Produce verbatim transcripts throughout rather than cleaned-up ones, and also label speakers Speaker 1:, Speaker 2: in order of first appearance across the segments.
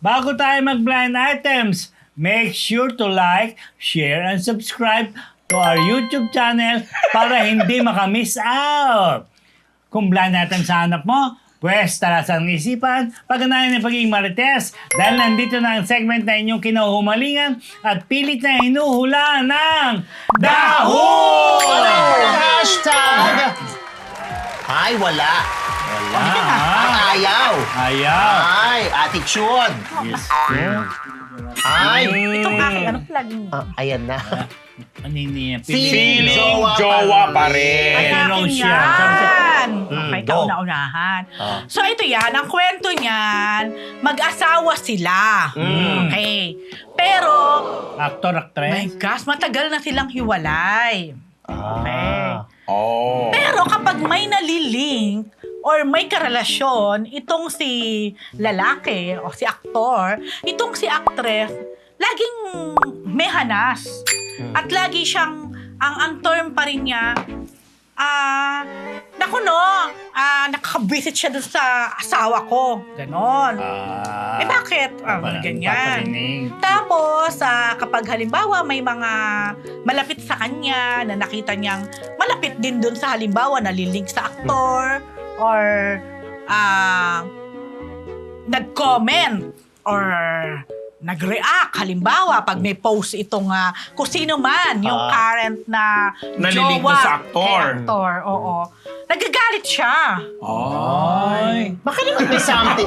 Speaker 1: bago tayo mag-blind items, make sure to like, share, and subscribe to our YouTube channel para hindi makamiss out. Kung blind item sa hanap mo, pwes talasan ng isipan, pagganayan ng pagiging marites dahil nandito na ang segment na inyong kinahumalingan at pilit na hinuhula ng Daho!
Speaker 2: Hashtag! Ay, wala.
Speaker 1: Wala.
Speaker 2: Ang ayaw.
Speaker 1: Ayaw.
Speaker 2: Ay, attitude.
Speaker 1: Yes.
Speaker 2: Ay.
Speaker 3: Itong aking ano laging...
Speaker 2: Ah, ayan na.
Speaker 1: Ano niya?
Speaker 2: Feeling
Speaker 4: Feeling
Speaker 2: jowa
Speaker 4: jowa
Speaker 2: pa
Speaker 4: pa
Speaker 2: rin.
Speaker 3: Ang
Speaker 1: Ano raw
Speaker 3: akin
Speaker 1: siya?
Speaker 3: yan!
Speaker 2: Mm,
Speaker 3: Okay,
Speaker 2: go.
Speaker 3: kauna-unahan.
Speaker 2: Ah.
Speaker 3: So ito yan, ang kwento niyan, mag-asawa sila.
Speaker 2: Mm.
Speaker 3: Okay. Pero,
Speaker 1: Actor,
Speaker 3: my
Speaker 1: actress?
Speaker 3: gosh, matagal na silang hiwalay.
Speaker 2: Ah.
Speaker 4: Oh.
Speaker 3: Pero kapag may nalilink or may karelasyon, itong si lalaki o si aktor, itong si actress, laging may hanas. At lagi siyang, ang, ang term pa rin niya, ah, naku no, ah, nakakabisit siya dun sa asawa ko. Ganon.
Speaker 1: Ah.
Speaker 3: eh bakit? Ah,
Speaker 1: Parang
Speaker 3: ganyan.
Speaker 1: paparinig.
Speaker 3: Tapos, ah, kapag halimbawa may mga malapit sa kanya na nakita niyang malapit din dun sa halimbawa nalilink sa aktor or ah, nag-comment or nag-react. Halimbawa, pag may post itong ah, kung sino man, yung
Speaker 2: Ah.
Speaker 3: current na
Speaker 4: Nalilink
Speaker 3: jowa
Speaker 4: na sa aktor.
Speaker 3: kay aktor, oo. Nagagalit siya.
Speaker 1: Ay.
Speaker 2: Baka naman may something.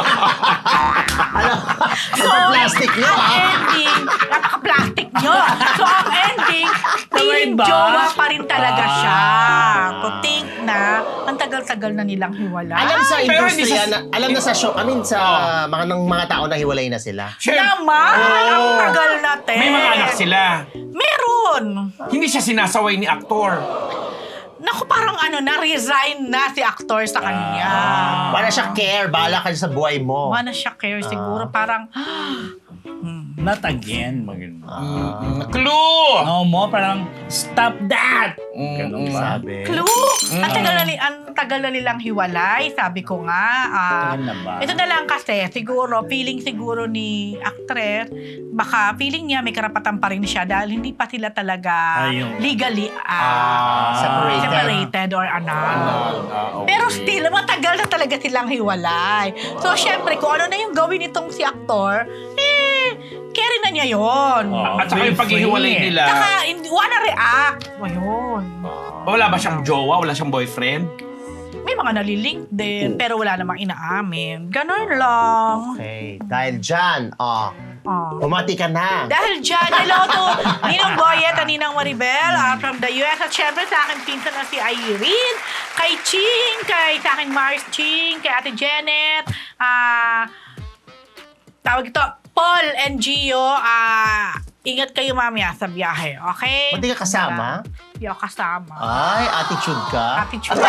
Speaker 2: Alam,
Speaker 3: So,
Speaker 2: plastic nyo,
Speaker 3: ang
Speaker 2: ha?
Speaker 3: ending, napaka-plastic nyo. So, ang ending, feeling
Speaker 1: ba?
Speaker 3: jowa pa rin talaga
Speaker 1: Ah.
Speaker 3: siya. To think na, ang tagal-tagal na nilang hiwala.
Speaker 2: Alam sa
Speaker 4: Pero hindi
Speaker 2: industriya,
Speaker 4: sa-
Speaker 2: na, alam na sa show, I mean sa mga ng mga tao na hiwalay na sila.
Speaker 4: Siyempre,
Speaker 3: Naman! Ang tagal natin.
Speaker 4: may mga anak sila.
Speaker 3: Meron.
Speaker 4: Hindi siya sinasaway ni aktor.
Speaker 3: Naku, parang ano, na-resign na si actor sa kanya.
Speaker 2: Wala siya care, bahala ka sa buhay mo.
Speaker 3: Wala siya care siguro. Parang,
Speaker 1: Not again. Maganda.
Speaker 4: Mm, Clue!
Speaker 1: No mo, parang stop that!
Speaker 4: Mm,
Speaker 1: Ganun
Speaker 4: mm.
Speaker 1: ba?
Speaker 2: Sabi.
Speaker 3: clue! Ang tagal na, ni- ang tagal na nilang hiwalay, sabi ko nga. ah,
Speaker 1: Tagal na ba?
Speaker 3: Ito na lang kasi, siguro, feeling siguro ni actress, baka feeling niya may karapatan pa rin siya dahil hindi pa sila talaga
Speaker 1: Ayun.
Speaker 3: legally ah,
Speaker 4: Ah,
Speaker 2: separated.
Speaker 3: separated or ano.
Speaker 4: Ah, okay.
Speaker 3: Pero still, matagal na talaga silang hiwalay. So, syempre, kung ano na yung gawin nitong si aktor, eh, carry na niya yon.
Speaker 1: Oh,
Speaker 4: At saka yung
Speaker 1: feel
Speaker 4: paghihiwalay
Speaker 1: free.
Speaker 4: nila,
Speaker 3: Saka, hindi, wala react. Ayun.
Speaker 4: wala ba siyang jowa? Wala siyang boyfriend?
Speaker 3: May mga nalilink din, pero wala namang inaamin. Ganon lang.
Speaker 2: Okay, dahil dyan, oh,
Speaker 3: Oh.
Speaker 2: umati ka na.
Speaker 3: Dahil dyan, hello to Ninong Boyet at Ninang Maribel uh, from the U S. At syempre sa akin pinsan na si Irene, kay Ching, kay sa akin Mars Ching, kay Ate Janet, ah, tawag ito, Paul and Gio, ah, ingat kayo mamaya sa biyahe, okay?
Speaker 2: Ba't di ka kasama?
Speaker 3: Hindi ako kasama.
Speaker 2: Ay, attitude ka.
Speaker 3: Attitude.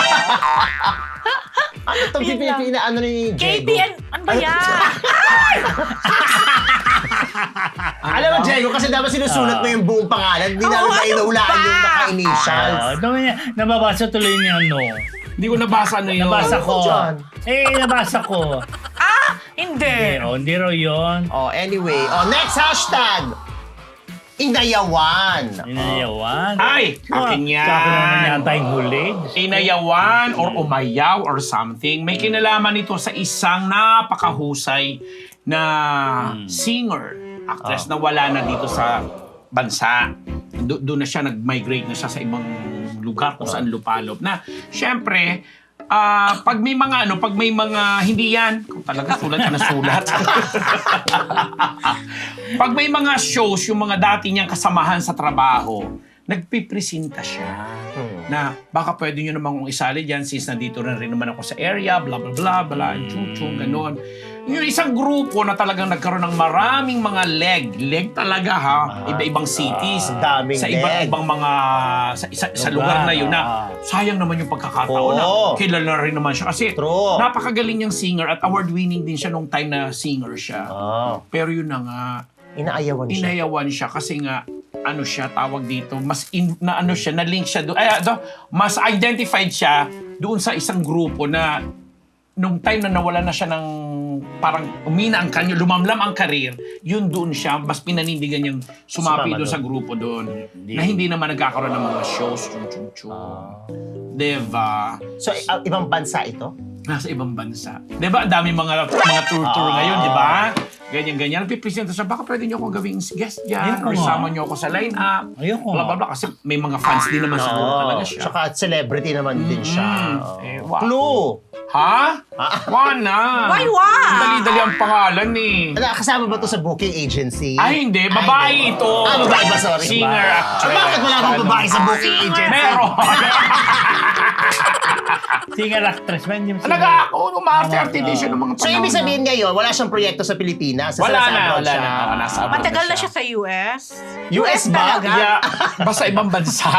Speaker 2: Ano itong
Speaker 3: Yun lang.
Speaker 2: pipina, ano ni
Speaker 3: K
Speaker 2: Diego?
Speaker 3: B N, ano ba yan?
Speaker 2: Alam mo, Diego, kasi dapat sinusulat mo yung buong pangalan. Hindi
Speaker 3: Oo,
Speaker 2: namin
Speaker 3: ano
Speaker 2: mainulaan
Speaker 3: ba?
Speaker 2: yung naka-initials.
Speaker 1: Ah, dami niya, nababasa tuloy niya, no?
Speaker 4: Hindi ko nabasa ano yun.
Speaker 1: Nabasa
Speaker 2: Ano
Speaker 1: ko.
Speaker 2: dyan?
Speaker 1: Eh, nabasa ko.
Speaker 3: Ah, hindi.
Speaker 1: Eh, oh, hindi raw yun.
Speaker 2: Oh, anyway. Oh, next hashtag. Inayawan.
Speaker 1: Inayawan.
Speaker 4: Ay, akin yan.
Speaker 1: Sa akin naman yata yung huli.
Speaker 4: Inayawan or umayaw or something. May kinalaman ito sa isang napakahusay na singer, actress na wala na dito sa bansa. Do- doon na siya, nag-migrate na siya sa ibang lugar kung saan lupalop. Na, syempre, ah, pag may mga ano, pag may mga hindi yan, kung talaga sulat ka na sulat. Pag may mga shows, yung mga dati niyang kasamahan sa trabaho, nagpipresenta siya na baka pwede nyo naman kong isali dyan since nandito na rin naman ako sa area, bla bla bla, bla, chuchung, ganon. Yung isang grupo na talagang nagkaroon ng maraming mga leg, leg talaga ha, iba-ibang cities,
Speaker 2: Ah, daming
Speaker 4: sa
Speaker 2: leg.
Speaker 4: iba't-ibang mga, sa, sa, sa lugar na yun na sayang naman yung pagkakataon na
Speaker 2: Oo.
Speaker 4: kilala rin naman siya kasi
Speaker 2: True.
Speaker 4: napakagaling niyang singer at award-winning din siya nung time na singer siya.
Speaker 2: Oh,
Speaker 4: Pero yun na nga,
Speaker 2: inaayawan siya.
Speaker 4: inayawan siya kasi nga ano siya tawag dito, mas in, na ano siya, na link siya doon. Ay, do, mas identified siya doon sa isang grupo na nung time na nawala na siya ng parang umina ang kanyo, lumamlam ang karir, yun doon siya, mas pinanindigan niyang sumapi
Speaker 2: Sumama
Speaker 4: doon
Speaker 2: doon.
Speaker 4: sa grupo doon. Na hindi naman nagkakaroon ng mga shows, chung chung chung. Diba?
Speaker 2: So, i- ibang bansa ito?
Speaker 4: Nasa ibang bansa. Diba? Ang dami mga mga tour-tour
Speaker 2: Ah.
Speaker 4: ngayon, di ba? Ganyan-ganyan. Nagpipresenta siya, baka pwede niyo akong gawing guest dyan
Speaker 1: Ayoko
Speaker 4: or
Speaker 1: nga.
Speaker 4: sama niyo ako sa line-up.
Speaker 1: Ayoko
Speaker 4: Blah,
Speaker 1: nga.
Speaker 4: blah, blah. Kasi may mga fans din naman siguro talaga siya.
Speaker 2: Tsaka celebrity naman din siya.
Speaker 4: Mm.
Speaker 2: Oo.
Speaker 4: Eh, wow.
Speaker 2: Clue!
Speaker 4: Ha? Wala na.
Speaker 3: Why, why?
Speaker 4: Ang dali-dali ang pangalan eh.
Speaker 2: Ano, kasama ba to sa booking agency?
Speaker 4: Ay, hindi. Babae ito.
Speaker 2: Ah, babae ba? Sorry.
Speaker 4: Singer,
Speaker 2: Ah,
Speaker 4: actress.
Speaker 2: bakit wala bang babae sa booking
Speaker 3: Singer.
Speaker 2: agency?
Speaker 4: Meron.
Speaker 1: Singer actress ba? Hindi mo singer.
Speaker 4: Talaga ako, umarte-arte din siya ng mga
Speaker 2: So, ibig sabihin ngayon, wala siyang proyekto sa Pilipinas? Sa
Speaker 4: Wala
Speaker 2: sa
Speaker 4: na,
Speaker 2: abroad
Speaker 4: wala
Speaker 2: siya.
Speaker 4: na. Oh, nasa abroad
Speaker 3: Matagal na
Speaker 4: siya.
Speaker 3: siya sa U S?
Speaker 2: U S ba?
Speaker 3: talaga?
Speaker 4: Yeah, basta ibang bansa.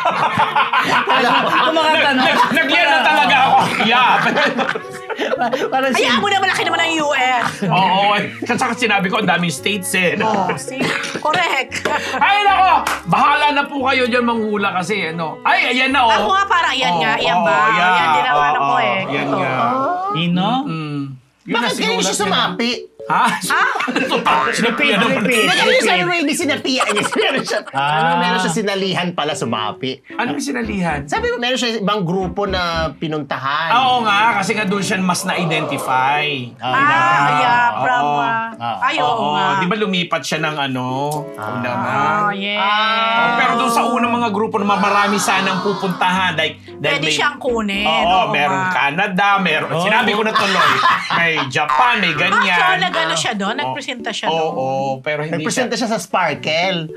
Speaker 1: Kung makatanong.
Speaker 4: Nag- Nagyan na talaga ako. Yeah.
Speaker 1: Parang si...
Speaker 3: Hayaan mo na malaki naman ang U S.
Speaker 4: Oo. Kasi sinabi ko, ang daming states eh. no?
Speaker 3: Oh, see? Correct.
Speaker 4: Ay, nako! Bahala na po kayo dyan manghula kasi, ano. Ay, ayan na, oh.
Speaker 3: Ako nga parang, yan
Speaker 4: Oo,
Speaker 3: nga, yan
Speaker 4: oo,
Speaker 3: ba?
Speaker 4: yeah.
Speaker 3: Yan din ang
Speaker 4: Oo,
Speaker 3: ano ko
Speaker 4: oo,
Speaker 3: eh.
Speaker 4: Yan
Speaker 3: Ito.
Speaker 4: nga.
Speaker 1: Ino?
Speaker 4: Mm. Yun
Speaker 2: Bakit
Speaker 4: na
Speaker 2: ganyan
Speaker 4: sinulat
Speaker 2: siya
Speaker 4: niya.
Speaker 2: sumapi?
Speaker 4: Ha?
Speaker 1: Repeat, repeat.
Speaker 2: Hindi kami sa Ruby sinapia niya. Meron siya,
Speaker 1: Ah.
Speaker 2: ano, meron siya sinalihan pala sumapi.
Speaker 4: Ano yung sinalihan?
Speaker 2: Sabi mo, meron siya ibang grupo na pinuntahan.
Speaker 4: Ah, Oo nga, kasi nga doon siya mas na-identify.
Speaker 3: Ah, yeah, from,
Speaker 4: Oo.
Speaker 3: ah, ay, oo
Speaker 4: Oo,
Speaker 3: nga.
Speaker 4: di ba lumipat siya ng ano? Una nga.
Speaker 3: Oh, yeah.
Speaker 4: Oh, pero doon sa unang mga grupo na marami sanang pupuntahan. Like, dahil
Speaker 3: Pwede
Speaker 4: may-
Speaker 3: siyang kunin.
Speaker 4: Oo,
Speaker 3: oo
Speaker 4: merong
Speaker 3: nga.
Speaker 4: Canada, meron.
Speaker 1: Oo.
Speaker 4: Sinabi ko na tuloy. May Japan, may
Speaker 3: Ah,
Speaker 4: ganyan.
Speaker 3: so nag-ano siya doon? Nagpresenta siya
Speaker 4: Oo,
Speaker 3: doon?
Speaker 4: oo, pero hindi
Speaker 2: Nagpresenta siya sa Sparkle.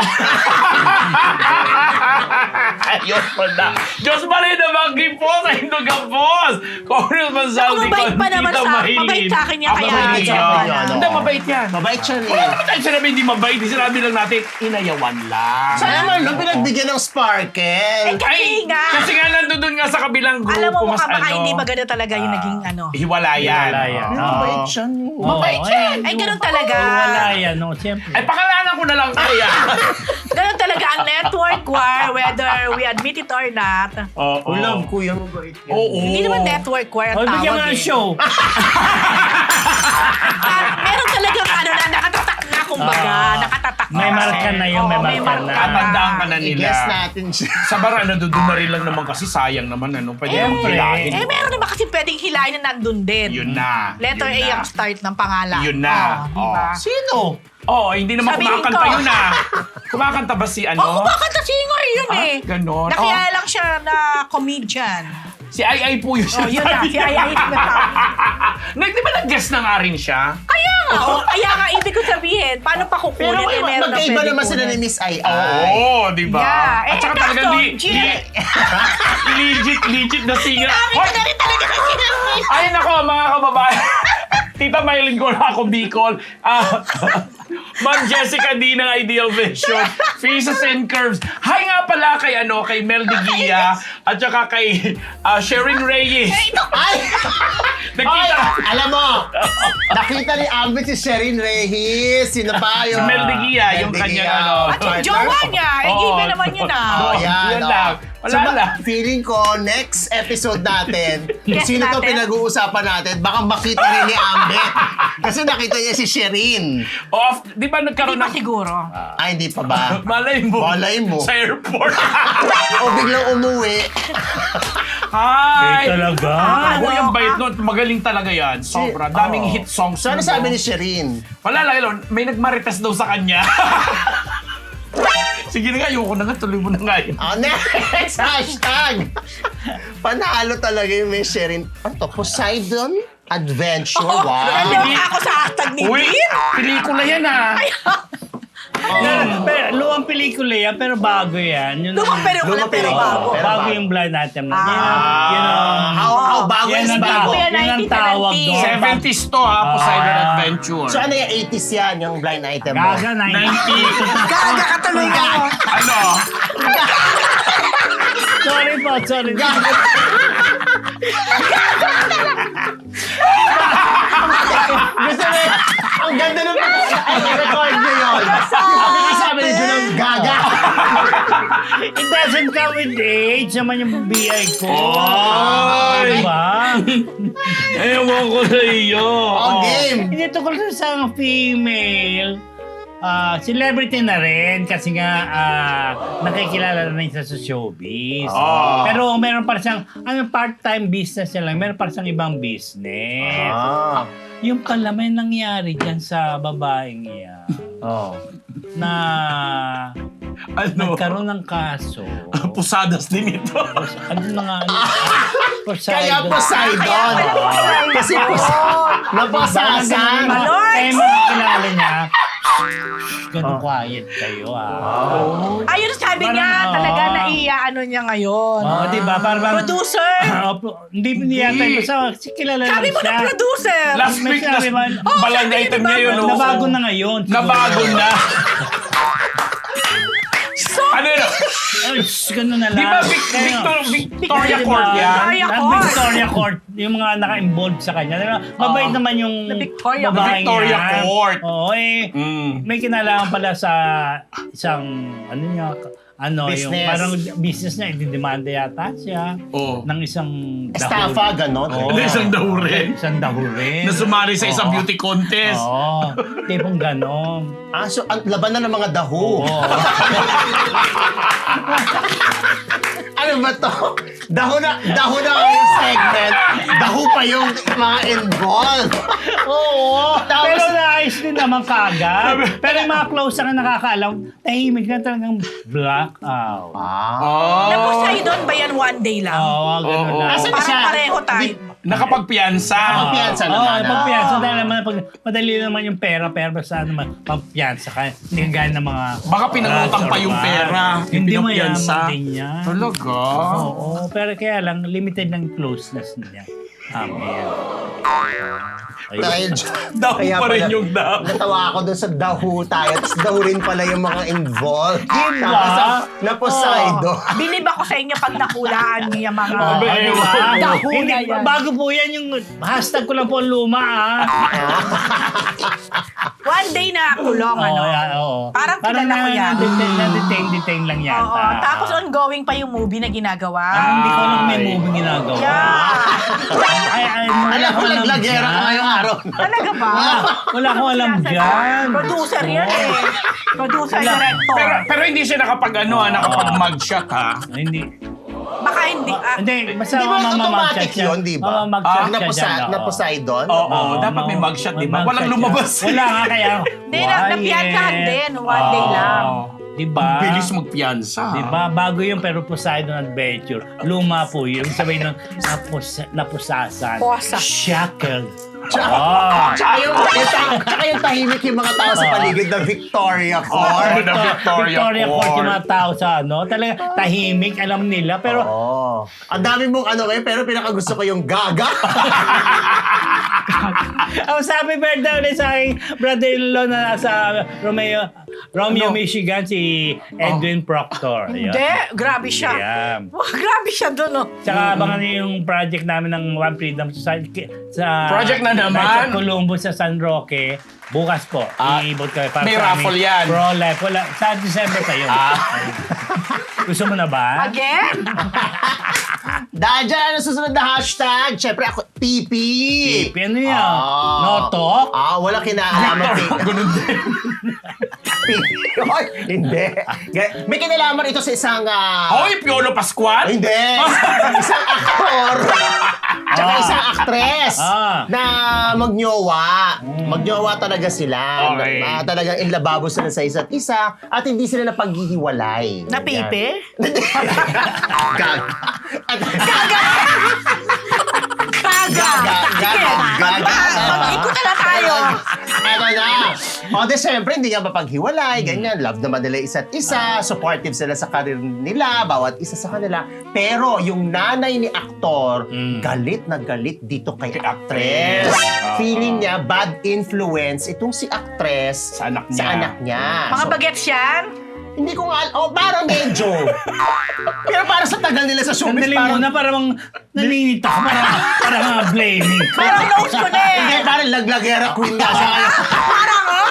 Speaker 4: Ayos pa na. Diyos pa rin naman po sa Indogapos. Congressman Saldi
Speaker 3: mabait pa naman
Speaker 4: Tita
Speaker 3: sa-
Speaker 4: Maylin.
Speaker 3: mabait sa akin yan,
Speaker 4: Ah,
Speaker 3: kaya
Speaker 4: mabait
Speaker 2: siya.
Speaker 4: yan.
Speaker 2: Ano?
Speaker 4: Hindi, mabait yan.
Speaker 2: Mabait siya
Speaker 4: Wala
Speaker 2: niya.
Speaker 4: naman tayo sinabi hindi mabait. Sinabi lang natin, inayawan lang.
Speaker 2: Sana naman, no, pinagbigyan ng Sparkle.
Speaker 3: Eh, kasi nga.
Speaker 4: Kasi nga nandun nga sa kabilang grupo,
Speaker 3: Alam mo,
Speaker 4: mas
Speaker 3: baka baka
Speaker 4: ano,
Speaker 3: hindi maganda talaga yung naging ano.
Speaker 4: hiwalayan.
Speaker 1: Hiwalayan.
Speaker 4: Oo.
Speaker 2: Mabait siya niya.
Speaker 1: Mabait
Speaker 4: yan.
Speaker 3: Ay, ganun talaga.
Speaker 1: Wala yan, no? Siyempre.
Speaker 4: Ay, pakalanan ko na lang kaya.
Speaker 3: Ganun talaga ang network war, whether we admit it or not.
Speaker 4: Oo.
Speaker 2: Ulam ko yan, mabait yan.
Speaker 4: Oo.
Speaker 3: Hindi naman network war ang
Speaker 1: O,
Speaker 3: tawag
Speaker 1: bigyan mo ng
Speaker 3: eh.
Speaker 1: show.
Speaker 3: Ah, meron talagang ano na nakatatak na, kumbaga. Nakatatak na.
Speaker 1: May marka na yun, may
Speaker 3: Oo,
Speaker 1: marka na.
Speaker 4: Tatandaan ka na nila.
Speaker 2: I-guess natin siya.
Speaker 4: Sa bara, nandun na rin lang naman kasi sayang naman ano. Pwede
Speaker 3: Eh,
Speaker 4: mong hilahin.
Speaker 3: eh, meron naman kasi pwedeng hilahin na nandun din.
Speaker 4: Yun na.
Speaker 3: Letter
Speaker 4: Yun
Speaker 3: A
Speaker 4: na.
Speaker 3: ang start ng pangalan.
Speaker 4: Yun na.
Speaker 3: Oh, di ba?
Speaker 4: Oh.
Speaker 2: Sino?
Speaker 4: Oo, oh, hindi naman
Speaker 3: Sabihin
Speaker 4: kumakanta
Speaker 3: ko.
Speaker 4: yun ah. Kumakanta ba si
Speaker 3: Oh,
Speaker 4: ano?
Speaker 3: kumakanta singer yun
Speaker 4: Ah,
Speaker 3: eh.
Speaker 4: ganon.
Speaker 3: Nakilala lang siya na comedian.
Speaker 4: Si Ay Ay po yun
Speaker 3: Oh, yun na. Si Ay Ay sinasabi.
Speaker 4: Nag, di ba nag-guest na nga rin siya?
Speaker 3: Kaya nga, oh, kaya nga, ibig ko sabihin, paano pa kukunin
Speaker 2: Pero
Speaker 3: eh, meron na
Speaker 2: magkaiba
Speaker 3: pwede
Speaker 2: naman sila ni
Speaker 3: kunin.
Speaker 2: Miss Ai
Speaker 4: Oo,
Speaker 2: Ai.
Speaker 4: di ba?
Speaker 3: Yeah. Eh,
Speaker 4: At saka
Speaker 3: kaso,
Speaker 4: talagang li,
Speaker 3: G-
Speaker 4: li, legit, legit na singer.
Speaker 3: Sabi ko na rin talaga na sinasabi.
Speaker 4: Ay nako, mga kababayan. Tita Maylin ko na ako, Bicol. Ah, Ma'am Jessica D ng Ideal Vision. Faces and Curves. Hi nga pala kay, ano, kay Mel de Guia at saka kay ah, Sherin Reyes.
Speaker 2: Ay!
Speaker 4: Nakita.
Speaker 2: Ay! Alam mo, nakita ni Ambit si Sherin Reyes. Sino pa yung...
Speaker 4: Si Mel de Guia,
Speaker 2: Mel
Speaker 4: yung
Speaker 2: de
Speaker 4: kanyang
Speaker 2: Guia.
Speaker 4: ano.
Speaker 3: At yung jowa niya, eh,
Speaker 4: Oo.
Speaker 3: given naman yun ah.
Speaker 2: Oh, yan.
Speaker 4: Yun
Speaker 2: oh.
Speaker 4: lang. Wala
Speaker 2: So, ba-
Speaker 4: lang.
Speaker 2: feeling ko, next episode natin,
Speaker 3: Yes,
Speaker 2: sino to
Speaker 3: natin.
Speaker 2: pinag-uusapan natin, baka makita rin ni Ambit. Kasi nakita niya si Sherin.
Speaker 4: Off, di ba nagkaroon
Speaker 3: Hindi pa
Speaker 4: ng...
Speaker 3: siguro.
Speaker 2: Ay, hindi pa ba?
Speaker 4: Malay mo.
Speaker 2: Malay mo.
Speaker 4: Sa airport.
Speaker 2: O biglang umuwi.
Speaker 4: Hi!
Speaker 1: Eh, talaga?
Speaker 3: Ah,
Speaker 4: Uy, ang
Speaker 3: ano
Speaker 4: bait
Speaker 3: ka?
Speaker 4: nun. Magaling talaga yan. Sobra. Daming
Speaker 2: Oo.
Speaker 4: hit songs.
Speaker 2: So, ano
Speaker 4: nun,
Speaker 2: sabi
Speaker 4: no?
Speaker 2: ni Sherin?
Speaker 4: Wala lang yun. May nagmarites daw sa kanya. Sige na nga, ayoko na nga. Tuloy mo na nga yun.
Speaker 2: Oh, next hashtag! Panalo talaga yung Miss Sherin. Ano to? Poseidon Adventure.
Speaker 3: Oh,
Speaker 2: Wow.
Speaker 3: naloka ako sa hashtag ni
Speaker 4: Uy,
Speaker 3: Dean.
Speaker 4: pelikula yan ah.
Speaker 1: Pero, pero, luwang pelikula yan, pero bago yan. Yun,
Speaker 3: Lumang pero
Speaker 2: Lumang
Speaker 3: pero
Speaker 2: pelikula.
Speaker 3: bago.
Speaker 2: Pero
Speaker 1: bago
Speaker 2: bago.
Speaker 1: yung blind item na.
Speaker 3: Ah.
Speaker 1: Yun ang, yun ang,
Speaker 2: How, how bago
Speaker 1: yan
Speaker 2: is
Speaker 1: ang
Speaker 2: bago?
Speaker 1: tawag,
Speaker 3: Yan,
Speaker 1: yun ang tawag doon.
Speaker 4: seventies to ha, Poseidon
Speaker 1: Ah.
Speaker 4: Adventure.
Speaker 2: So, ano yung eighties yan, yung blind item mo?
Speaker 1: Gaga,
Speaker 4: ninety.
Speaker 3: Gaga ka tuloy ka.
Speaker 4: Ano?
Speaker 1: Sorry po, sorry.
Speaker 2: Gusto mo, ang ganda ng record niyo yun. Ang sabi ni Junong, gaga.
Speaker 1: It doesn't come with age naman yung B I ko.
Speaker 4: Oy!
Speaker 1: Diba?
Speaker 4: Ewan ko sa iyo.
Speaker 2: Oh, game!
Speaker 1: Hindi tungkol sa isang female. ah, celebrity na rin kasi nga ah, nakikilala na rin siya sa showbiz.
Speaker 4: Ah.
Speaker 1: Pero meron pa siyang ano, part-time business niya lang. Meron pa siyang ibang business.
Speaker 2: Ah.
Speaker 1: Yung pala may nangyari dyan sa babaeng iyan
Speaker 2: Oh.
Speaker 1: na
Speaker 4: Ano?
Speaker 1: nagkaroon ng kaso.
Speaker 4: Pusadas din ito.
Speaker 1: Ano na nga? Ano,
Speaker 2: Kaya Poseidon.
Speaker 3: Kaya pala Poseidon.
Speaker 2: Kasi Poseidon. Napasasan.
Speaker 3: Malord!
Speaker 1: Kaya makikilala niya. Ganun quiet kayo ah.
Speaker 3: Ayun, sabi
Speaker 1: Parang,
Speaker 3: niya,
Speaker 1: oo.
Speaker 3: talaga naiya ano niya ngayon.
Speaker 1: Oo, di ba? Para bang...
Speaker 3: Producer!
Speaker 1: Ah, pro- hindi niya tayo basta si kilala
Speaker 3: Sabi
Speaker 1: lang
Speaker 3: mo
Speaker 1: siya.
Speaker 3: na producer!
Speaker 4: Last
Speaker 1: May
Speaker 4: week, last
Speaker 1: sabi man-
Speaker 3: Oh,
Speaker 4: balang
Speaker 3: sabi
Speaker 4: item
Speaker 3: niya,
Speaker 4: niya yun.
Speaker 3: nabago.
Speaker 4: oh.
Speaker 1: Nabago na ngayon. siguro.
Speaker 4: Nabago na.
Speaker 3: So,
Speaker 4: Ano yun?
Speaker 1: Ay, shh, ganun na lang.
Speaker 4: Di ba Vic-
Speaker 1: Kaya-
Speaker 4: Victor, Victoria
Speaker 1: Di ba?
Speaker 4: Court yan?
Speaker 3: Victoria
Speaker 1: Ang
Speaker 3: Court.
Speaker 1: Victoria Court. Yung mga naka-involved sa kanya. Di ba? Mabait
Speaker 4: Oo.
Speaker 1: naman yung
Speaker 3: The Victoria-
Speaker 1: babaeng
Speaker 4: Victoria
Speaker 1: yan.
Speaker 4: Court.
Speaker 1: Oo, eh.
Speaker 4: Mm.
Speaker 1: May kinalaman pala sa isang, ano niya, ano, yung
Speaker 2: Business.
Speaker 1: parang business niya, ididemanda yata siya
Speaker 4: Oo.
Speaker 1: ng isang
Speaker 2: Estafa, ganon.
Speaker 1: Oo.
Speaker 4: Ano, isang dahuri?
Speaker 1: Isang dahuri.
Speaker 4: Na sumari sa isang
Speaker 1: Oo.
Speaker 4: beauty contest.
Speaker 1: Oo. Tipong ganon.
Speaker 2: Ah, so, ang laban na ng mga daho.
Speaker 1: Oo.
Speaker 2: Ano ba to? Daho na, daho na yung segment. Daho pa yung mga involved.
Speaker 1: Oo.
Speaker 2: Tapos-
Speaker 1: Pero naayos din naman kagad. Pero yung mga close na nakakaalam, tahimik na talagang blackout.
Speaker 2: Ah.
Speaker 4: Oh.
Speaker 3: na Poseidon ba yan one day lang?
Speaker 1: Oo, ganun
Speaker 4: Oo.
Speaker 1: lang.
Speaker 2: Nasaan
Speaker 3: Parang
Speaker 2: siya?
Speaker 3: pareho tayo.
Speaker 2: Di-
Speaker 4: Nakapagpiyansa.
Speaker 2: Ah, Pagpiyansa
Speaker 1: Oo,
Speaker 2: naman, ah.
Speaker 1: pagpiyansa. Dahil naman, pag, madali naman yung pera, pero basta naman, pagpiyansa ka. Hindi gaya ng mga...
Speaker 4: Baka pinangutang pa yung pera.
Speaker 1: Hindi
Speaker 4: Yung
Speaker 1: mayaman
Speaker 4: pinagpiyansa.
Speaker 1: din yan.
Speaker 4: Talaga?
Speaker 1: Oo, pero kaya lang, limited ng closeness niya. Amen. Ayun.
Speaker 2: Dahil dyan.
Speaker 4: Daho
Speaker 2: Kaya
Speaker 4: pa rin
Speaker 2: pala-
Speaker 4: yung daho.
Speaker 2: Natawa ako doon sa daho tayo. Tapos daho rin pala yung mga involved.
Speaker 1: Diba?
Speaker 2: Tapos ang- na Poseidon.
Speaker 3: Oh, bilib ako sa inyo pag nakulaan niya mga...
Speaker 1: Oo,
Speaker 4: Abe,
Speaker 1: di ba?
Speaker 3: Daho
Speaker 1: Hindi,
Speaker 3: na yan.
Speaker 1: bago po yan yung hashtag ko lang po ang luma ah.
Speaker 3: One day na kulong, ano?
Speaker 1: Oo, yan, oo.
Speaker 3: Parang kilala ko yan.
Speaker 1: Na-detain, na-detain, detain lang yata.
Speaker 3: Oo, tapos ongoing pa yung movie na ginagawa.
Speaker 1: Ah, hindi ko alam may
Speaker 4: Ay.
Speaker 1: movie ginagawa.
Speaker 3: Yeah.
Speaker 1: Ay, ay, wala
Speaker 2: Alam
Speaker 1: ko
Speaker 2: ko,
Speaker 1: alam
Speaker 2: naglagera
Speaker 1: dyan.
Speaker 2: ka ngayong araw.
Speaker 3: Talaga ba?
Speaker 1: Wala ko alam dyan.
Speaker 3: Producer yan eh. Producer,
Speaker 1: Wala.
Speaker 3: director.
Speaker 4: Pero, pero hindi siya nakapag ano ha, nakapag mugshot ha.
Speaker 1: Ay, Hindi.
Speaker 3: Baka hindi. ah,
Speaker 1: Hindi, basta
Speaker 2: Di ba
Speaker 1: mamamagchat
Speaker 2: automatic
Speaker 1: siya.
Speaker 2: yun, di ba?
Speaker 1: Mamamagchat
Speaker 4: Ah,
Speaker 1: siya
Speaker 2: Na,
Speaker 1: dyan.
Speaker 2: Posa- na
Speaker 1: oo.
Speaker 2: Poseidon?
Speaker 4: Oo,
Speaker 1: Oo,
Speaker 4: dapat may
Speaker 1: ma-
Speaker 4: mugshot, di ba?
Speaker 1: may
Speaker 4: Walang
Speaker 1: mugshot
Speaker 4: lumabas.
Speaker 1: siya. Wala nga kaya.
Speaker 3: Hindi, na, napiyansahan din. One day
Speaker 1: Oo.
Speaker 3: lang.
Speaker 1: Di ba?
Speaker 4: Bilis magpiyansa.
Speaker 1: Di ba? Bago yung pero Poseidon Adventure. Luma po yun. Sabihin nun, napus, napusasan.
Speaker 3: Posa.
Speaker 1: Shackled.
Speaker 2: Tsaka,
Speaker 1: Ah.
Speaker 2: tsaka yung, yung, ta- tsaka yung tahimik yung mga tao sa paligid ng Victoria
Speaker 4: Oo,
Speaker 2: Court.
Speaker 4: the Victoria,
Speaker 1: Victoria Court yung
Speaker 4: Court.
Speaker 1: mga tao sa ano. Talaga tahimik, alam nila. Pero
Speaker 2: Oo. Ang dami mong ano kayo, pero pinakagusto ko yung gaga.
Speaker 1: ang sabi birthday ulit sa aking brother-in-law na nasa Romeo, Romeo,
Speaker 2: Ano?
Speaker 1: Michigan, si Edwin Proctor. Ayun.
Speaker 3: Hindi, grabe siya.
Speaker 1: Ayan.
Speaker 3: Wah, grabe siya doon, oh.
Speaker 1: Tsaka abangan niyo yung project namin ng One Freedom Society sa
Speaker 4: Project na naman?
Speaker 1: Sa Colombo sa San Roque. Bukas po.
Speaker 4: Ah,
Speaker 1: Iibot kami para
Speaker 4: may
Speaker 1: sa
Speaker 4: raffle
Speaker 1: aming
Speaker 4: yan.
Speaker 1: Pro-life. Wala. Sa December pa yun.
Speaker 4: Ah.
Speaker 1: Gusto mo na ba?
Speaker 3: Again?
Speaker 2: Dahil dyan, ano susunod na hashtag? Siyempre ako, P P.
Speaker 1: P P, ano yan?
Speaker 2: Ah.
Speaker 1: No talk?
Speaker 2: Ah, wala kinalaman kay
Speaker 4: Ganun din.
Speaker 2: P P. Oy, hindi. Ga- May kinalaman ito sa isang... ah,
Speaker 4: Hoy, Piolo Pascual?
Speaker 2: Hindi. Isang aktor. Tsaka
Speaker 1: Ah.
Speaker 2: isang actress
Speaker 1: Ah.
Speaker 2: na magnyowa. Magnyowa talaga sila.
Speaker 4: Okay.
Speaker 2: Ah, talagang inlababo sila sa isa't isa at hindi sila napaghihiwalay.
Speaker 3: Na pipe?
Speaker 2: Gag.
Speaker 3: Gaga!
Speaker 2: Gaga, gaga, gaga.
Speaker 3: Mag-ikot na tayo.
Speaker 2: Ano na? O, di syempre, hindi nga mapaghiwalay, ganyan. Love naman nila isa't isa. Supportive sila sa karir nila, bawat isa sa kanila. Pero yung nanay ni aktor,
Speaker 1: Mm.
Speaker 2: galit na galit dito kay
Speaker 4: Kay
Speaker 2: actress.
Speaker 4: actress.
Speaker 2: Feeling niya, bad influence itong si actress
Speaker 4: Sa anak
Speaker 2: sa
Speaker 4: niya.
Speaker 2: anak niya.
Speaker 3: Mga
Speaker 2: So,
Speaker 3: bagets yan?
Speaker 2: hindi ko nga, oh, parang medyo. Pero para sa tagal nila sa showbiz,
Speaker 1: Sandali
Speaker 2: parang,
Speaker 1: muna, parang naninita ka. Parang, parang uh, blaming ka.
Speaker 3: Parang nose ko na eh.
Speaker 2: hindi, parang laglagera queen nga siya.
Speaker 3: Parang, oh?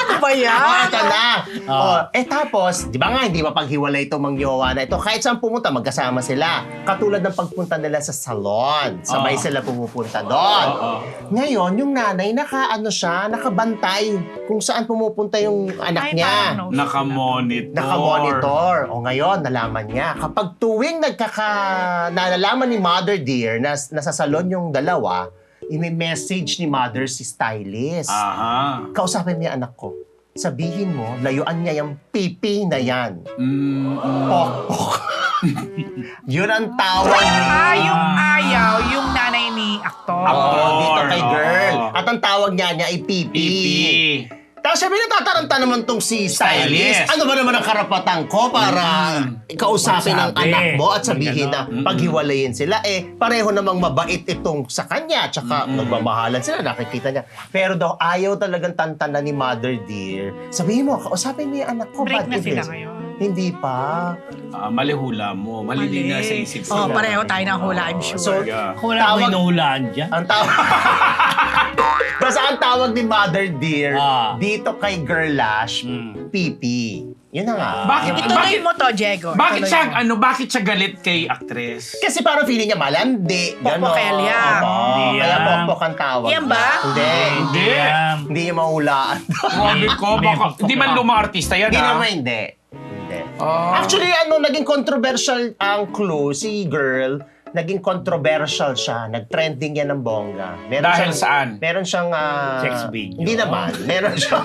Speaker 3: Ano ba yan?
Speaker 2: Oh, ito na.
Speaker 1: Ah.
Speaker 2: Oh, eh tapos, di ba nga, hindi mapaghiwalay ito mang jowa na ito. Kahit saan pumunta, magkasama sila. Katulad ng pagpunta nila sa salon. Sabay
Speaker 4: Ah.
Speaker 2: sila pumupunta doon.
Speaker 4: Oo.
Speaker 2: Ngayon, yung nanay, naka, ano siya, nakabantay kung saan pumupunta yung anak
Speaker 3: Ay,
Speaker 2: niya.
Speaker 3: parang no.
Speaker 4: Naka-monitor.
Speaker 2: Naka-monitor. O ngayon, nalaman niya. Kapag tuwing nagkaka... nalalaman ni Mother Dear na nasa salon yung dalawa, i-message ni Mother si stylist.
Speaker 4: Aha.
Speaker 2: Kausapin mo yung anak ko. Sabihin mo, layuan niya yung pipi na yan.
Speaker 4: Mm, mm.
Speaker 2: Pok-pok. Yun ang tawag ni...
Speaker 3: Ah, yung ayaw, yung nanay ni aktor.
Speaker 2: Oo, dito kay
Speaker 4: Oo.
Speaker 2: girl. At ang tawag niya niya ay pipi.
Speaker 4: Pipi.
Speaker 2: Tapos sabi, natataranta naman tong si stylist.
Speaker 4: Stylist.
Speaker 2: Ano ba naman ang karapatan ko para kausapin ang
Speaker 1: Magsabi.
Speaker 2: anak mo at sabihin na
Speaker 1: Ganon.
Speaker 2: paghiwalayin sila? Eh, pareho namang mabait itong sa kanya. Tsaka nagmamahalan sila, nakikita niya. Pero daw, ayaw talagang tantanan ni Mother Dear. Sabihin mo, kausapin mo yung anak ko.
Speaker 3: Break
Speaker 2: bad
Speaker 3: na sila
Speaker 2: influence.
Speaker 3: ngayon.
Speaker 2: Hindi pa.
Speaker 4: Ah, mali hula mo. Malili na sa isip
Speaker 3: Oh,
Speaker 4: sila.
Speaker 3: pareho tayo ng hula, I'm sure.
Speaker 2: So,
Speaker 4: Yeah.
Speaker 1: Kung wala
Speaker 2: Tawag-
Speaker 1: ko inuhulaan dyan.
Speaker 2: ang tawag... Basta ang tawag ni Mother Dear,
Speaker 1: Ah.
Speaker 2: dito kay Girlash,
Speaker 1: Mm.
Speaker 2: pipi. Yun na nga.
Speaker 4: Bakit?
Speaker 3: Ituloy
Speaker 4: bakit-
Speaker 3: mo to, Diego.
Speaker 4: Bakit
Speaker 3: Ituloy
Speaker 4: siya,
Speaker 3: mo.
Speaker 4: ano, bakit siya galit kay actress?
Speaker 2: Kasi parang feeling niya malandi. Gano'n.
Speaker 3: Pokpokelya.
Speaker 2: Oo,
Speaker 1: Hindi
Speaker 2: kaya
Speaker 1: yan.
Speaker 2: pokpok ang tawag.
Speaker 3: Yan ba?
Speaker 2: Hindi.
Speaker 4: Hindi.
Speaker 1: Yan.
Speaker 2: Hindi niya mahulaan.
Speaker 4: Sabi ko,
Speaker 1: May
Speaker 4: baka,
Speaker 1: pagpapaka.
Speaker 4: hindi man lumang artista yan,
Speaker 2: Hindi
Speaker 4: ah.
Speaker 2: naman, hindi. Hindi.
Speaker 4: Ah.
Speaker 2: Actually, ano, naging controversial ang clue, si girl, naging controversial siya. Nag-trending yan ng bongga. Meron
Speaker 4: Dahil
Speaker 2: siyang-
Speaker 4: saan?
Speaker 2: Meron siyang... ah,
Speaker 1: Sex video.
Speaker 2: Hindi naman. Meron siyang...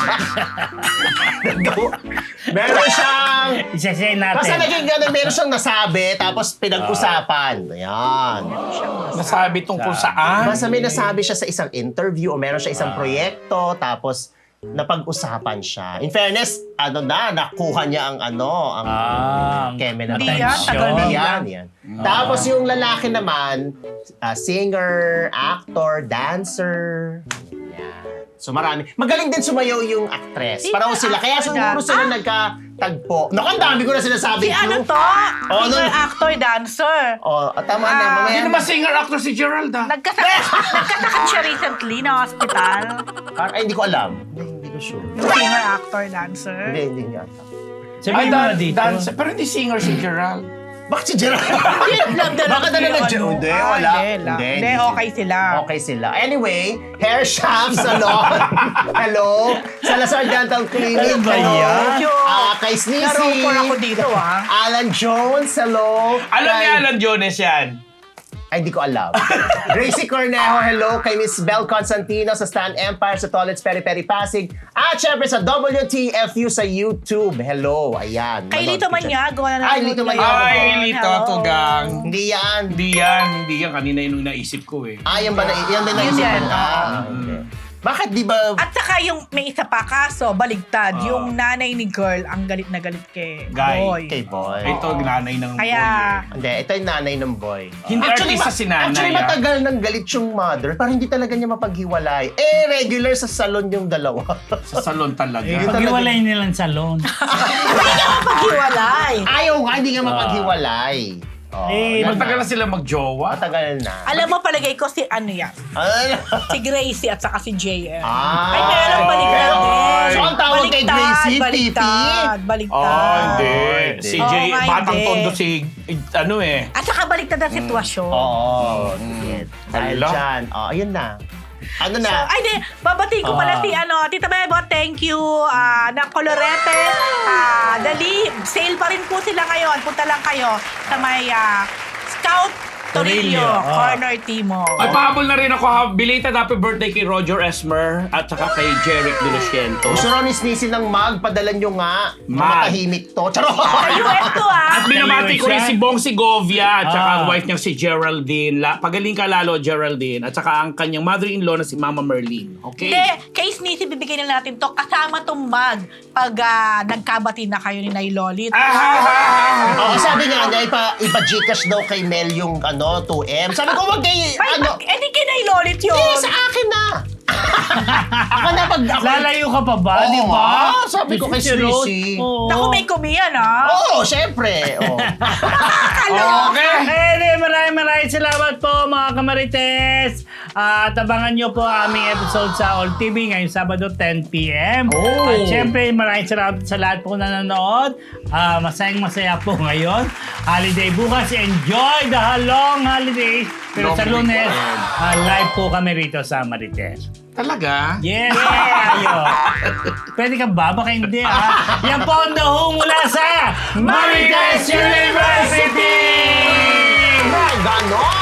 Speaker 2: meron siyang...
Speaker 1: Isa-say natin.
Speaker 2: Basta naging gano'n, meron siyang nasabi, tapos pinag-usapan. Ayan.
Speaker 4: Nasabi tungkol saan?
Speaker 2: Basta may nasabi siya sa isang interview o meron siya isang proyekto, tapos napag-usapan siya. In fairness, ano na, nakuha niya ang ano, ang
Speaker 1: Ah,
Speaker 2: keme na
Speaker 3: Hindi yan,
Speaker 1: atensyon.
Speaker 3: tagal na
Speaker 2: Hindi yan, yan. Tapos yung lalaki naman, ah, singer, actor, dancer. Yan. So marami. Magaling din sumayaw yung actress.
Speaker 3: Sino
Speaker 2: Parang sila. Kaya
Speaker 3: actor
Speaker 2: siguro
Speaker 3: na?
Speaker 2: sila
Speaker 3: Ah!
Speaker 2: nagkatagpo. Naku, ang dami ko na sinasabi.
Speaker 3: Si ano
Speaker 2: clue.
Speaker 3: to?
Speaker 2: Oh,
Speaker 3: Singer,
Speaker 2: no.
Speaker 3: actor, dancer.
Speaker 2: Oh, tama na.
Speaker 3: Ah,
Speaker 2: Mamaya
Speaker 4: Hindi
Speaker 2: na.
Speaker 4: naman singer-actor si Gerald, ah.
Speaker 3: Nagkasakit, nagkasakit siya recently na hospital.
Speaker 2: Ay, hindi ko alam. Hindi, hindi ko sure.
Speaker 3: Yung singer, actor, dancer.
Speaker 2: Hindi, hindi niya.
Speaker 1: Sabihin mo na
Speaker 4: dan-
Speaker 1: dito.
Speaker 4: dancer. Pero hindi singer si Gerald.
Speaker 2: Bakit si Gerald?
Speaker 3: Love the
Speaker 2: Baka
Speaker 3: love
Speaker 2: talaga
Speaker 3: yung
Speaker 2: Gerald.
Speaker 3: ano.
Speaker 2: Hindi,
Speaker 3: Ah,
Speaker 2: wala.
Speaker 3: Hindi, la-
Speaker 2: Hindi,
Speaker 3: hindi,
Speaker 2: hindi
Speaker 3: okay sila.
Speaker 2: Okay sila. Anyway, Hair Shaft Salon. Hello. Salazar Dental Clinic.
Speaker 1: Ano ba
Speaker 2: Hello.
Speaker 1: yan?
Speaker 2: Ah, kay Sneezy.
Speaker 3: Narupor ako dito, ah.
Speaker 2: Alan Jones. Hello.
Speaker 4: Alam
Speaker 2: Kay-
Speaker 4: ni Alan Jones yan.
Speaker 2: Ay, hindi ko alam. Gracie Cornejo, hello. Kay Miss Bel Constantino sa Stan Empire sa Toilets Peri Peri Pasig. At syempre sa W T F U sa YouTube. Hello. Ayan.
Speaker 3: Kay
Speaker 2: Manood
Speaker 3: Lito
Speaker 2: ko dyan.
Speaker 3: Maniago na
Speaker 2: Ay, Lito Maniago.
Speaker 4: Ay, Lito,
Speaker 3: Hello.
Speaker 4: tugang.
Speaker 2: Hindi yan.
Speaker 4: Hindi yan, hindi yan. Kanina yun yung naisip ko eh.
Speaker 2: Ah, yan ba na, yan din
Speaker 3: Yun
Speaker 2: naisipan
Speaker 3: yan,
Speaker 2: ka?
Speaker 3: oo.
Speaker 2: Ah, okay. Bakit di ba...
Speaker 3: At saka yung may isa pa kaso, baligtad.
Speaker 4: Ah.
Speaker 3: yung nanay ni girl, ang galit na galit kay
Speaker 4: Guy.
Speaker 3: boy.
Speaker 2: Kay boy.
Speaker 4: Ito, nanay ng
Speaker 3: Kaya,
Speaker 2: Hindi, ito yung nanay ng boy.
Speaker 4: Hindi artista
Speaker 2: ma-
Speaker 4: si nanay,
Speaker 2: Actually,
Speaker 4: ah.
Speaker 2: matagal nang galit yung mother. Parang hindi talaga niya mapaghiwalay. Eh, regular sa salon yung dalawa.
Speaker 4: Sa salon talaga.
Speaker 1: Eh,
Speaker 2: Yun
Speaker 1: pag-iwalay nilang salon.
Speaker 3: hindi ka mapaghiwalay.
Speaker 2: Ayaw nga, hindi nga mapaghiwalay. Oh,
Speaker 1: Eh,
Speaker 2: yan
Speaker 4: Matagal
Speaker 2: na.
Speaker 4: na sila magjowa.
Speaker 2: Matagal na.
Speaker 3: Alam mo, palagay ko si ano yan.
Speaker 2: Ano?
Speaker 3: Si Gracie at saka si J M.
Speaker 2: Ah.
Speaker 3: Ay, meron baliktad
Speaker 2: Ay.
Speaker 3: din.
Speaker 2: So, ang tawag kay
Speaker 3: Baliktad,
Speaker 2: Gracie,
Speaker 3: Baliktad, baliktad.
Speaker 4: Oh, hindi.
Speaker 2: hindi.
Speaker 4: Si
Speaker 3: Oo
Speaker 4: Jay,
Speaker 3: nga,
Speaker 4: batang
Speaker 3: hindi.
Speaker 4: tondo si, ano eh.
Speaker 3: At saka baliktad ang sitwasyon.
Speaker 2: Oo. Sige. Dahil
Speaker 4: Hala.
Speaker 2: dyan. Oh, ayun na. Ano
Speaker 3: So,
Speaker 2: na?
Speaker 3: ay, di, babatiin ko pala
Speaker 1: Ah.
Speaker 3: si ano, Tita Bebo, thank you. Ah, ng Colorete. Ah, dali, sale pa rin po sila ngayon. Punta lang kayo sa may ah, Scout Torillo,
Speaker 1: Torillo, ah.
Speaker 3: Corner Timog.
Speaker 4: Ay, pahabol na rin ako ha. Belated happy birthday kay Roger Esmer at saka kay Jeric De Luciento.
Speaker 2: Gusto rin ni Sneezy ng mag, padalan nyo nga.
Speaker 4: Mag.
Speaker 2: Matahimik to. Charot!
Speaker 3: Sa U S to ah.
Speaker 4: At binabati ko rin si Bong Segovia at saka
Speaker 1: Ah.
Speaker 4: ang wife niyang si Geraldine. La, pagaling ka lalo, Geraldine. At saka ang kanyang mother-in-law na si Mama Merlin. Okay?
Speaker 3: Hindi, kay Sneezy bibigyan na natin to kasama tong mag pag ah, nagkabati na kayo ni Nay Lolit.
Speaker 4: Ah, ah, ah, ah.
Speaker 2: Oo, sabi nga niya, ipa, ipa-Gcash daw kay Mel yung ano, two M. Sabi ko, wag kay,
Speaker 3: Ay,
Speaker 2: ano,
Speaker 3: eh di kay Nay Lolit yun.
Speaker 2: eh, sa akin na. Ako na pag ako...
Speaker 1: Lalayo ka pa ba,
Speaker 2: Oo
Speaker 1: di ba?
Speaker 2: nga, sabi ko kay
Speaker 1: Si Rose,
Speaker 2: Sissy.
Speaker 1: oo.
Speaker 3: Naku, may kumiyan ah.
Speaker 2: Oo, syempre. Oh.
Speaker 4: Okay.
Speaker 1: Eh, maraming maraming salamat po mga kamarites. At abangan nyo po ang aming episode sa All T V ngayong Sabado ten p.m.
Speaker 2: Oh.
Speaker 1: At syempre maraming salamat sa lahat po na nanonood. Ah, masayang masaya po ngayon. Holiday bukas. Enjoy the long holidays. Pero
Speaker 4: Long
Speaker 1: sa Lunes,
Speaker 4: weekend.
Speaker 1: ah, live po kami rito sa Marites.
Speaker 4: Talaga?
Speaker 1: Yes! Ayo. Pwede ka ba? Baka hindi ah. Yan po ang daho mula sa Marites University!
Speaker 2: Ganon!